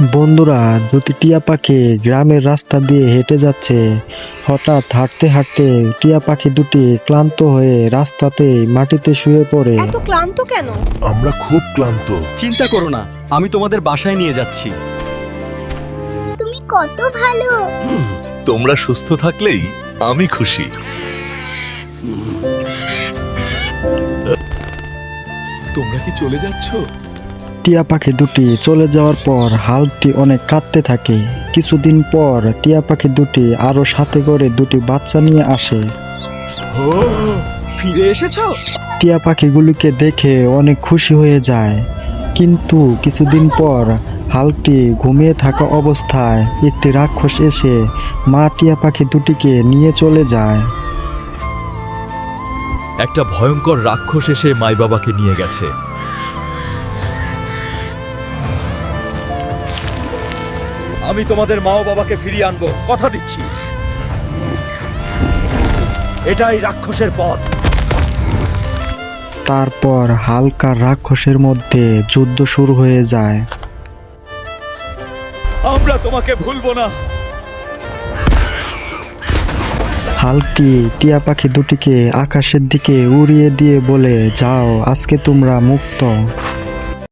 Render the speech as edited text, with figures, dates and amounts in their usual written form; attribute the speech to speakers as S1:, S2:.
S1: বন্ধুরা, দুটি টিয়া পাখি গ্রামের রাস্তা দিয়ে হেঁটে যাচ্ছে। হঠাৎ হাঁটতে হাঁটতে টিয়া পাখি দুটি ক্লান্ত হয়ে রাস্তাতেই মাটিতে শুয়ে পড়ে।
S2: এত ক্লান্ত কেন?
S3: আমরা খুব ক্লান্ত।
S4: চিন্তা করো না, আমি তোমাদের বাসায় নিয়ে যাচ্ছি।
S5: তুমি কত ভালো।
S3: তোমরা সুস্থ থাকলেই আমি খুশি। তোমরা কি চলে যাচ্ছ?
S1: টিয়া পাখি দুটি চলে যাওয়ার পর হাল্কটি অনেক কাঁদতে থাকে। কিছুদিন পর টিয়া পাখি দুটি আরো সাথে করে দুটি বাচ্চা নিয়ে আসে।
S4: ও, ফিরে এসেছো?
S1: টিয়া পাখিগুলিকে দেখে অনেক খুশি হয়ে যায়। কিন্তু কিছুদিন পর হাল্কটি ঘুমিয়ে থাকা অবস্থায় একটি রাক্ষস এসে মা টিয়া পাখি দুটিকে নিয়ে চলে যায়।
S6: একটা ভয়ঙ্কর রাক্ষস এসে মাই বাবাকে নিয়ে গেছে।
S4: আমি তোমাদের মা ও বাবাকে ফিরিয়ে আনবো, কথা দিচ্ছি। এটাই রাক্ষসের পথ।
S1: তারপর হাল্ক আর রাক্ষসের মধ্যে যুদ্ধ শুরু হয়ে যায়।
S4: আমরা তোমাকে ভুলবো না।
S1: হাল্কটি টিয়া পাখি দুটিকে আকাশের দিকে উড়িয়ে দিয়ে বলে, যাও, আজকে তোমরা মুক্ত।